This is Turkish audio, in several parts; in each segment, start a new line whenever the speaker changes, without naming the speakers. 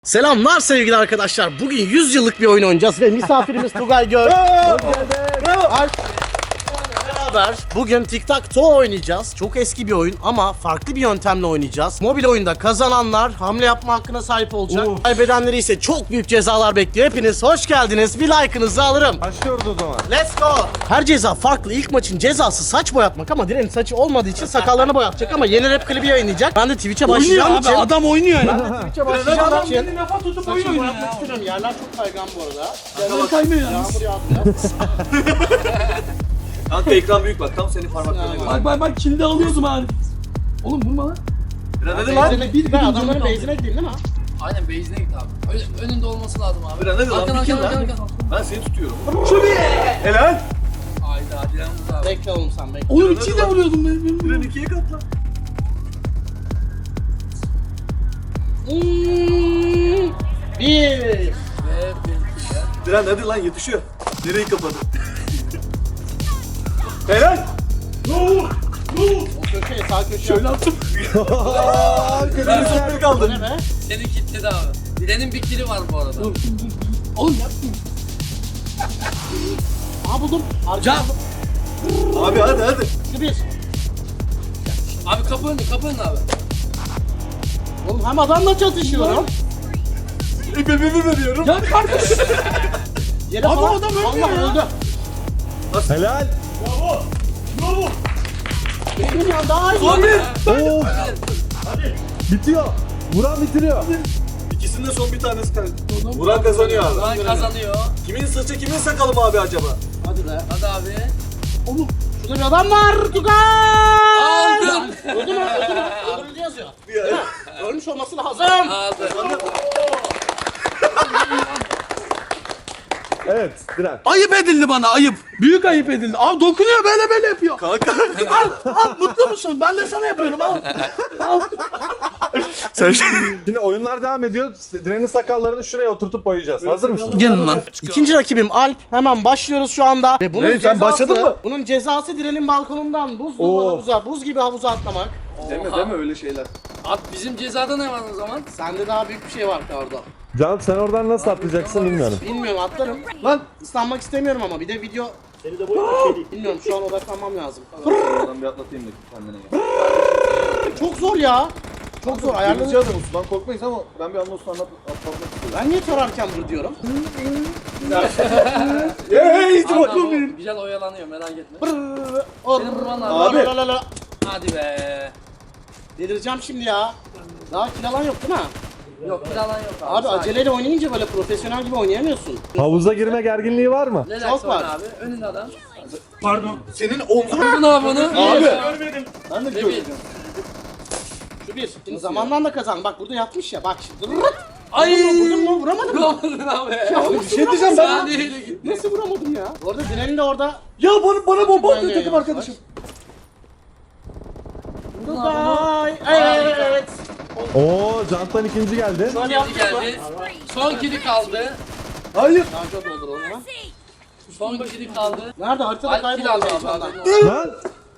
Selamlar sevgili arkadaşlar. Bugün 100 yıllık bir oyun oynayacağız ve misafirimiz Tugay Gör. Beraber bugün tic-tac-toe oynayacağız. Çok eski bir oyun ama farklı bir yöntemle oynayacağız. Mobil oyunda kazananlar hamle yapma hakkına sahip olacak. Kaybedenleri ise çok büyük cezalar bekliyor. Hepiniz hoş geldiniz. Bir like'ınızı alırım.
Başlıyoruz o zaman.
Let's go. Her ceza farklı. İlk maçın cezası saç boyatmak ama Diren'in saçı olmadığı için sakallarını boyatacak ama yeni rap klibi yayınlayacak. Ben de Twitch'e başlayacağım için.
Adam oynuyor ya.
Twitch'e başlayacağım için.
Kendini lafa tutup oyun
Saçımı
oynuyor
boyatmak
ya.
istiyorum. Yerler çok kaygan bu arada.
Yerler kaymıyor ya.
Yağmur yağdı.
Kanka ekran büyük bak tam senin parmaklarına göre.
Bak kilidi alıyordum abi. Oğlum vurma lan.
Biraz hadi lan.
Ben adamların base'ine gideyim değil mi?
Aynen base'ine git abi. Önünde olması lazım abi.
Biraz hadi lan.
Arkan
Bikin
arkan
lan.
arkan.
Ben seni tutuyorum. Helal.
Hayda Dilan vurdu abi.
Bekle oğlum sen bekle.
Oğlum ikiyi de vuruyordum ben.
Diren ikiye katla.
Bir.
Ve benimki de.
Diren hadi lan yetişiyor. Direği kapadı. Helal.
O köşeye sağ köşeye.
Şöyle attım.
Ben son bir kaldı.
Ne be?
Seni kilitledi abi. Dilan'ın bir kili var bu arada.
Oğlum yapma.
Aha buldum.
Can.
Abi hadi hadi.
Şu bir.
Abi kapı önü abi.
Oğlum hem adamla çatışıyorum.
İpimi veriyorum.
Ya kardeş.
Yere
Abi
falan.
adam ölmüyor
Allah
ya.
öldü.
Helal.
Benim ya daha iyi.
Son bir.
Oo.
Bitiyor. Vuran bitiriyor. İkisinde son bir tanesi kaldı. Vuran kazanıyor abi.
Duran kazanıyor.
Kimin saçı kimin sakalı mı abi acaba?
Hadi be.
Hadi abi.
Oğlum şurada bir adam var. Tugay.
Aldın.
Öldü mü? Öldü mü? Öldürüldü yazıyor. Ölmüş olması lazım.
Aldı.
Evet Diren.
Ayıp edildi bana ayıp. Büyük ayıp edildi. Abi dokunuyor böyle yapıyor.
Kanka.
Al mutlu musun? Ben de sana yapıyorum al.
Sen şimdi oyunlar devam ediyor. Diren'in sakallarını şuraya oturtup boyayacağız. Hazır mısın?
Gelin lan.
İkinci rakibim Alp. Hemen başlıyoruz şu anda. Ve bunun
Ne, sen başladın mı?
Bunun cezası Diren'in balkonundan buz gibi havuza atlamak.
Deme öyle şeyler.
Abi bizim cezada ne var o zaman?
Sende daha büyük bir şey var orada.
Can sen oradan nasıl atlayacaksın bilmiyorum.
Bilmiyorum atlarım.
Lan.
Islanmak istemiyorum ama bir de video... Seni de bilmiyorum şu an odaklanmam lazım.
Oradan bir atlatayım da kendine gel.
Çok zor ya. Çok zor ayarladım.
Adamı sudan korkmayız ama ben bir anla sudan atlatmak istiyorum.
Ben niye sorarken vur diyorum?
Hey hiç
Abi,
bakalım
o
benim.
güzel oyalanıyor merak etme.
Senin
vurman lazım.
Abi.
Hadi be.
Delireceğim şimdi ya. Daha kill alan yok değil mi?
Yok bir alan yok abi.
Abi
sakin.
aceleyle oynayınca böyle profesyonel gibi oynayamıyorsun.
Havuza girme gerginliği var mı?
Relax
Çok var.
oyna abi. Önünde adam.
Pardon.
Senin omzun.
Vurdun abi onu.
Abi. Ben de
Ve
biliyorum.
Şu bir. Şimdi zamandan da kazan. Bak burada yatmış ya. Bak şimdi. Rırt.
Ay.
Vurdun mu? Vuramadın mı?
Vurdun abi.
Bir şey diyeceğim ben.
Saniyeyle gitti.
Nasıl vuramadım ya? Orada Diren'in de orada.
Ya bana bomba
atıyor takım arkadaşım. Tugay. Evet.
Oo Can'tan ikinci geldi.
Şöyle
Kili
yaptık mı?
geldi. Son kili kaldı.
Hayır.
Şarjör doldur onu hemen.
Son kili kaldı.
Nerede? Haritada
Alp kil aldı
kayboldu.
abi.
Lan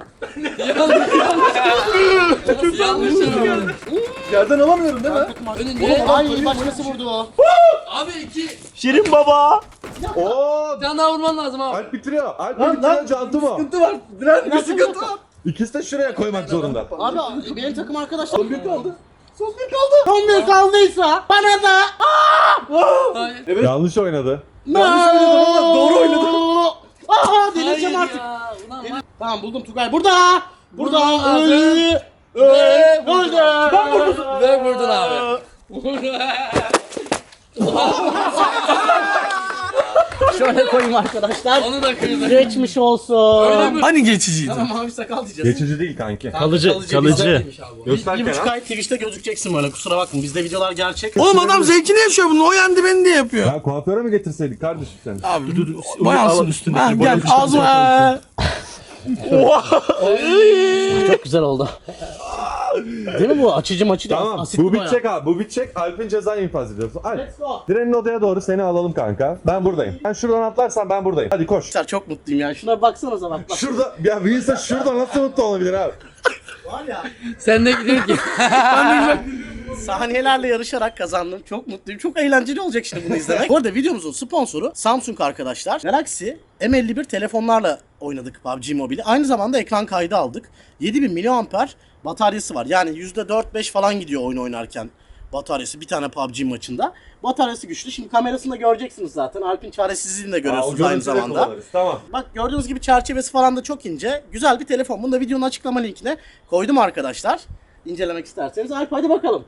Yanlış yanlış.
Yerden alamıyorum değil mi?
Önünde.
Ay başkası vurdu o.
Abi iki.
Şirin baba. Oo
Bir tane daha vurman lazım abi.
Alp bitiriyor. Alp bitiriyor Can'tı mı?
Sıkıntı var. Diren bir sıkıntı var.
İkisi de şuraya koymak zorunda.
Abi benim takım arkadaşlar.
Son bir kaldı.
Son bir kaldıysa bana da.
Hayır.
Yanlış oynadı.
Yanlış oynadım ama doğru oynadım.
Aha delireceğim
Hayır
artık.
ya. Ulan bak.
Tamam buldum Tugay. Burada. Burada.
Vurman lazım.
Öldü.
Ve vurdun.
Öldü.
Ben vurdum. Ve vurdun abi.
Şöyle koyayım arkadaşlar.
Onu da kırdı.
Geçmiş olsun.
Öyle mi?
Hani geçiciydi?
Tamam mavi sakal diyeceğiz.
Geçici değil kanki.
Kalıcı.
Bizdeymiş abi bu.
Bir buçuk ay Twitch'te gözükeceksin böyle kusura bakma bizde videolar gerçek.
Oğlum adam zevkini yaşıyor bunu. O yendi beni de yapıyor.
Ya kuaföre mi getirseydik kardeşim seni?
Abi dur. Boyansın üstüne. Ha, gel ağzıma.
Çok güzel oldu. Değil mi bu? Açıcı maçı değil.
Tamam
Asitli
bu
boya.
bitecek abi. Bu bitecek. Alp'in cezayı infaz ediyorsun. Alp.
Let's go.
Diren'in odaya doğru seni alalım kanka. Ben buradayım. Sen şuradan atlarsan ben buradayım. Hadi koş.
Arkadaşlar çok mutluyum ya. Şuna baksana sana. Bak.
Şurada ya bir insan şurada nasıl mutlu olabilir abi?
Var ya.
Sen de gidiyor ki.
Saniyelerle yarışarak kazandım. Çok mutluyum. Çok eğlenceli olacak şimdi bunu izlemek. Bu arada videomuzun sponsoru Samsung arkadaşlar. Galaxy M51 telefonlarla oynadık PUBG Mobile'i. Aynı zamanda ekran kaydı aldık. 7000 mAh bataryası var. Yani %4-5 falan gidiyor oyun oynarken bataryası bir tane PUBG maçında. Bataryası güçlü. Şimdi kamerasında göreceksiniz zaten. Alp'in çaresizliğini de görüyorsunuz aynı zamanda.
Tamam.
Bak gördüğünüz gibi çerçevesi falan da çok ince. Güzel bir telefon. Bunu da videonun açıklama linkine koydum arkadaşlar. İncelemek isterseniz. Alp hadi bakalım.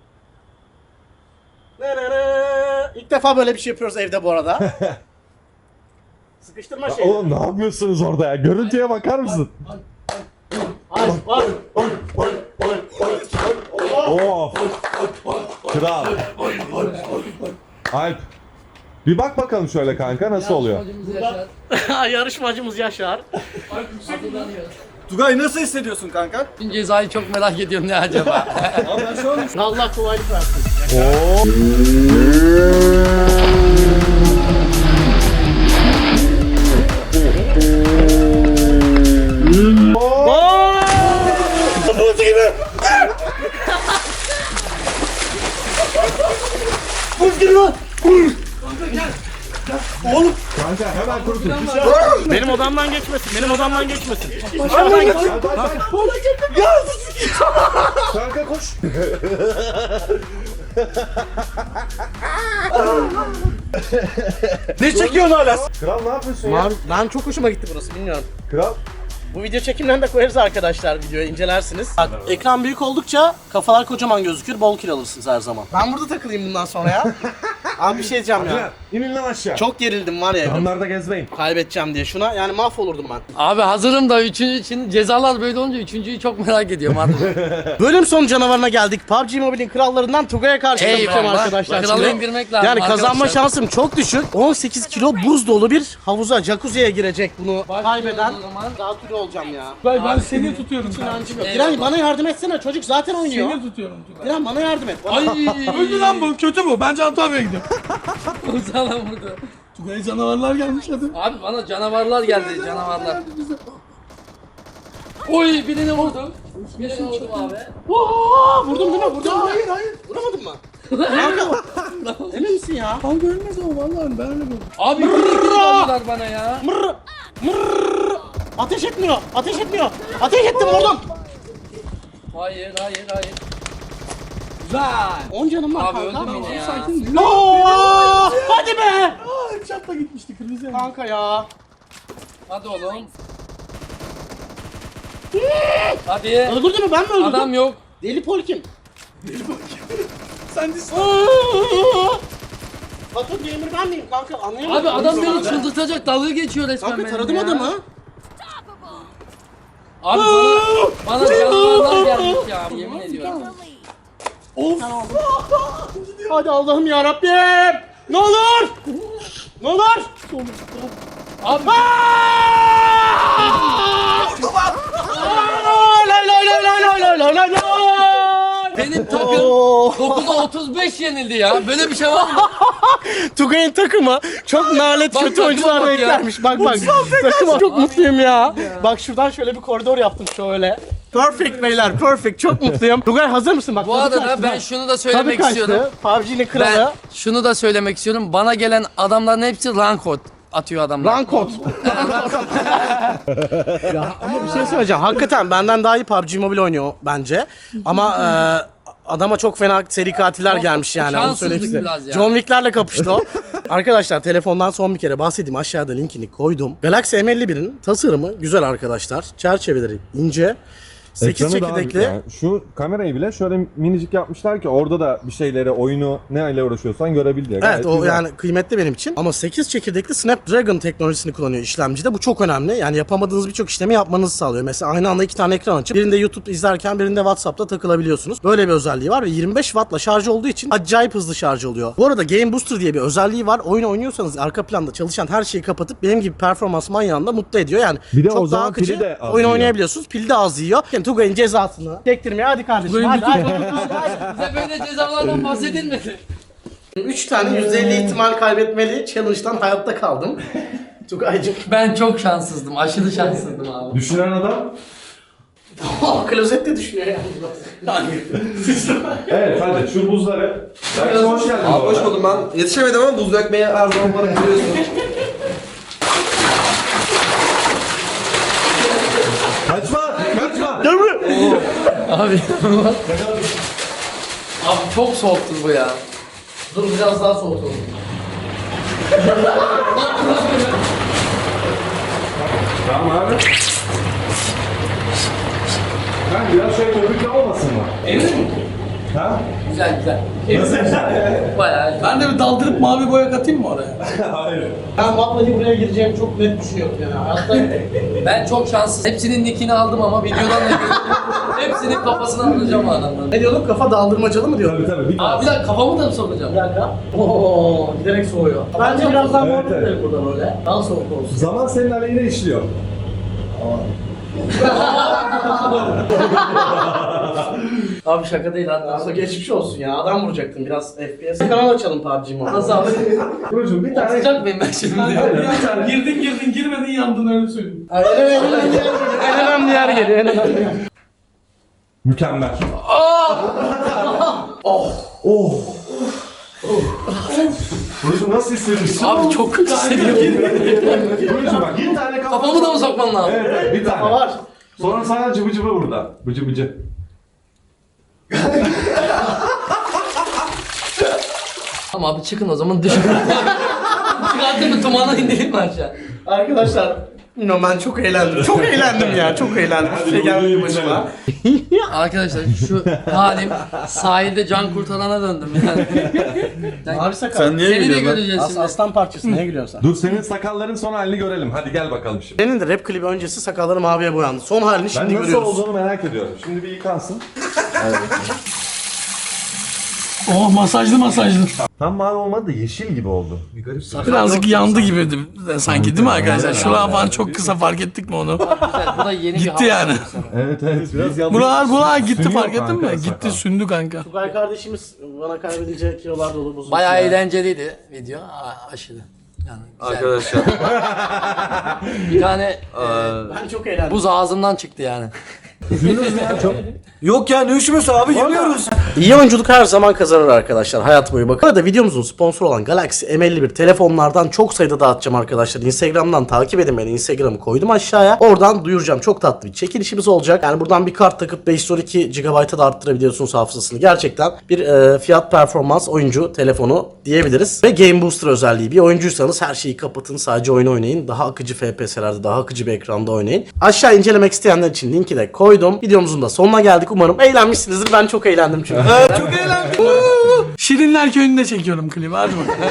İlk defa böyle bir şey yapıyoruz evde bu arada. Sıkıştırma şeyi.
Oğlum ne yapıyorsunuz orada ya? Görüntüye bakar mısın?
Alp bak.
Of. Kral. Alp. Bir bak bakalım şöyle kanka nasıl oluyor?
Yarışmacımız Yaşar.
Tugay nasıl hissediyorsun kanka?
Cezayı çok merak ediyorum ne acaba?
Abi ben şu an
Allah kolaylık versin.
Kanka hemen kurutun.
Benim odamdan geçmesin. Benim odamdan geçmesin. Dışarıdan geçsin.
Kanka koş.
Ne çekiyorsun hala?
Kral ne yapıyorsun ya?
Ben çok hoşuma gitti burası bilmiyorum.
Kral.
Bu video çekimlerini de koyarız arkadaşlar videoya incelersiniz. Bak, ekran büyük oldukça kafalar kocaman gözükür, bol kill alırsınız her zaman. Ben burada takılayım bundan sonra ya. Abi bir şey diyeceğim ya.
İnin lan aşağı.
Çok gerildim var ya.
Camlarda gezmeyin.
Kaybedeceğim diye şuna yani mahvolurdum ben.
Abi hazırım da üçüncü için cezalar böyle olunca üçüncüyü çok merak ediyorum artık.
Bölüm sonu canavarına geldik. PUBG Mobile'in krallarından Tugay'a karşı kapışacağım
Eyvallah.
arkadaşlar.
Kralı
Şimdi.
indirmek lazım
Yani kazanma
arkadaşlar.
şansım çok düşük. 18 kilo buz dolu bir havuza, jacuzziye girecek bunu kaybeden.
o zaman.
Zatürre olacağım ya.
Ben seni tutuyorum.
İnancım yok. Diren bana yardım etsene, çocuk zaten oynuyor.
Seni tutuyorum Tugay.
Diren bana yardım et. Bana...
Ay
Öldü lan bu. Kötü bu. Bence Antalya'ya gidiyorum.
sana vurdu.
Tugay canavarlar gelmiş hadi.
Abi bana canavarlar geldi canavarlar. Oy birini vurdum. Birini vurdum abi.
Oo, vurdum değil mi? Vurdum. Hayır. Vuramadın mı? Kanka. Emin misin ya?
Kanka ölmez o vallahi ben öyle buldum.
Abi birini vurdular bana ya.
Mırr. Ateş etmiyor. Ateş etmiyor. Ateş ettim vurdum.
Hayır.
Güzel.
10 canım var
Abi
kanka.
öldüm yine ya.
Sakin.
Oo, hadi be.
Çatla gitmişti kırmızı yandı.
Kanka ya.
Hadi oğlum. Hadi.
Öldürdü mü? Ben mi öldürdüm?
Adam yok.
Deli Pol kim?
Sen de
Batu Gamer ben miyim kanka? Anlayamadım.
Abi adam beni çıldırtacak dalga geçiyor resmen
Kanka
benimle
taradım
ya.
adamı.
Abi bana canavarlar gelmiş ya yemin ediyorum.
Hadi Allah'ım ya Rabbim. Ne olur. Ne olur.
Abi
Lay.
benim takım 9'a 35 yenildi ya. Böyle bir şey var mı?
Tugay'ın takımı çok nalet
Bak,
kötü
takıma
oyuncularla
bak ya.
eklenmiş. Bak. Takıma çok mutluyum ya. Bak şuradan şöyle bir koridor yaptım şöyle. Perfect beyler, perfect. Çok mutluyum. Tugay hazır mısın? Bak,
Bu
tadı
arada
kaçtı,
ben
bak.
şunu da
Tadı
söylemek
kaçtı.
istiyorum.
PUBG'nin
Ben
kralı.
şunu da söylemek istiyorum. Bana gelen adamların hepsi rank code atıyor adamlar.
Rankot. Ya ama bir şey söyleyeceğim. Hakikaten benden daha iyi PUBG Mobile oynuyor bence. Ama adama çok fena seri katiller gelmiş yani. Onu
şanssızlık
söyleyeyim size.
biraz ya.
John Wick'lerle kapıştı o. Arkadaşlar telefondan son bir kere bahsedeyim. Aşağıda linkini koydum. Galaxy M51'in tasarımı güzel arkadaşlar. Çerçeveleri ince. 8
Ekranı daha büyük
çekirdekli.
yani. Şu kamerayı bile şöyle minicik yapmışlar ki orada da bir şeyleri, oyunu ne ile uğraşıyorsan görebil diye.
Evet
Gayet
o
güzel.
yani kıymetli benim için. Ama 8 çekirdekli Snapdragon teknolojisini kullanıyor işlemcide. Bu çok önemli. Yani yapamadığınız birçok işlemi yapmanızı sağlıyor. Mesela aynı anda 2 tane ekran açıp birinde YouTube izlerken birinde WhatsApp'ta takılabiliyorsunuz. Böyle bir özelliği var ve 25 Watt'la şarj olduğu için acayip hızlı şarj oluyor. Bu arada Game Booster diye bir özelliği var. Oyun oynuyorsanız arka planda çalışan her şeyi kapatıp benim gibi performans manyağında mutlu ediyor. Yani
Bir de
çok
o
daha
zaman
akıcı
pili de az
oyun
yiyor.
oynayabiliyorsunuz. Pil de az yiyor. Yani Tugay'ın cezasını çektirmeye hadi kardeşim. Hadi.
Bize böyle cezalardan bahsedilmedi.
3 tane %50 ihtimal kaybetmeli challenge'dan hayatta kaldım. Tugay'cım.
Ben çok şanssızdım. Aşırı şanssızdım abi.
Düşünen adam
Klozette düşünüyor yani.
Evet hadi şu buzları. Berk'cim hoş geldin.
Abi hoş buldum ben. Yetişemedim ama buz dökmeye her zaman bana biliyorsun.
Kaçma kaçma.
Abi. Abi çok soğuktur bu ya.
Dur biraz daha soğutalım.
Tamam abi. Ben biraz şey köpükle olmasın mı?
Emin misin?
Ha?
Güzel güzel.
Nasıl güzel?
Bayağı iyi.
Ben de bir daldırıp mavi boya katayım mı oraya?
Hayır.
Ben vallahi buraya gireceğimi çok net düşünüyorum yani. Hatta
Ben çok şanssız. Hepsinin nickini aldım ama videodan da görüyorum. Hepsinin kafasını alacağım o adamların.
ne diyorduk? Kafa daldırmacalı mı diyorduk?
Tabii tabii.
Abi bir dakika kafamı da mı sokacağım?
Bir dakika. Oo, giderek soğuyor. Bence biraz daha
Evet,
muhabbet
evet.
edelim burada böyle. Daha soğuk olsun.
Zaman senin aleyhine işliyor.
Abi şaka değil lan.
Aslında geçmiş olsun ya. Adam vuracaktım biraz FPS. Kanal açalım PUBG Mobile.
Nasıl abi?
Burcu'm bir tane...
Atacak mıyım ben şimdi?
Girdin girmedin yandın öyle söyleyeyim.
En önemli yer geliyor. En önemli yer.
Mükemmel. Burcu'm nasıl hissediyorsun?
Abi çok kötü hissediyorum.
Burcu'm bak bir tane kafa...
Kafamı da mı sokman lazım?
Evet evet bir tane.
Var.
Sonra sana cıbı cıbı burada. Bıcı bıcı.
Tamam abi çıkın o zaman düşün. Çıkarttın mı tumanı indireyim mi aşağı?
Arkadaşlar bilmiyorum ben çok eğlendim. Çok eğlendim ya. Çok eğlendim. Hiçbir şey gelmedi başıma.
Arkadaşlar şu halim sahilde can kurtarana döndüm yani.
Abi sakal.
Sen niye
Seni de
gülüyorsun lan?
göreceğiz şimdi.
Aslan parçası. Neye gülüyorsun sen?
Dur senin sakalların son halini görelim. Hadi gel bakalım şimdi.
Senin de rap klibi öncesi sakalları maviye boyandı. Son halini şimdi
Ben nasıl
görüyoruz.
olduğunu merak ediyorum. Şimdi bir yıkansın.
Oh masajlı.
Tam mavi olmadı da yeşil gibi oldu.
Birazcık yandı gibi sanki değil mi arkadaşlar? Şuralar falan çok kısa fark ettik mi onu?
Güzel, bu da yeni bir
Gitti
hava.
yani.
Evet evet biraz yandı.
Buralar gitti
Sünüyor
fark ettin
kanka
mi?
sakal.
Gitti sündü kanka.
Tugay kardeşimiz bana kaybedince kilolar dolu buzlu.
Bayağı eğlenceliydi video. Aşırı. Yani güzel.
Arkadaşlar.
Bir tane
Ben çok eğlendim.
buz ağzımdan çıktı yani.
Yok ya ne üşümüyorsun abi yanıyoruz.
İyi oyunculuk her zaman kazanır arkadaşlar hayat boyu bakın. Arada videomuzun sponsoru olan Galaxy M51 telefonlardan çok sayıda dağıtacağım arkadaşlar. Instagram'dan takip edin beni. Instagram'ı koydum aşağıya. Oradan duyuracağım. Çok tatlı bir çekilişimiz olacak. Yani buradan bir kart takıp 512 GB'a da arttırabiliyorsunuz hafızasını. Gerçekten bir fiyat performans oyuncu telefonu diyebiliriz. Ve Game Booster özelliği. Bir oyuncuysanız her şeyi kapatın. Sadece oyun oynayın. Daha akıcı FPS'lerde, daha akıcı bir ekranda oynayın. Aşağı incelemek isteyenler için linki de koydum. Videomuzun da sonuna geldik. Umarım eğlenmişsinizdir. Ben çok eğlendim çünkü.
Şirinler Köyü'nde çekiyorum klibi hadi bakalım.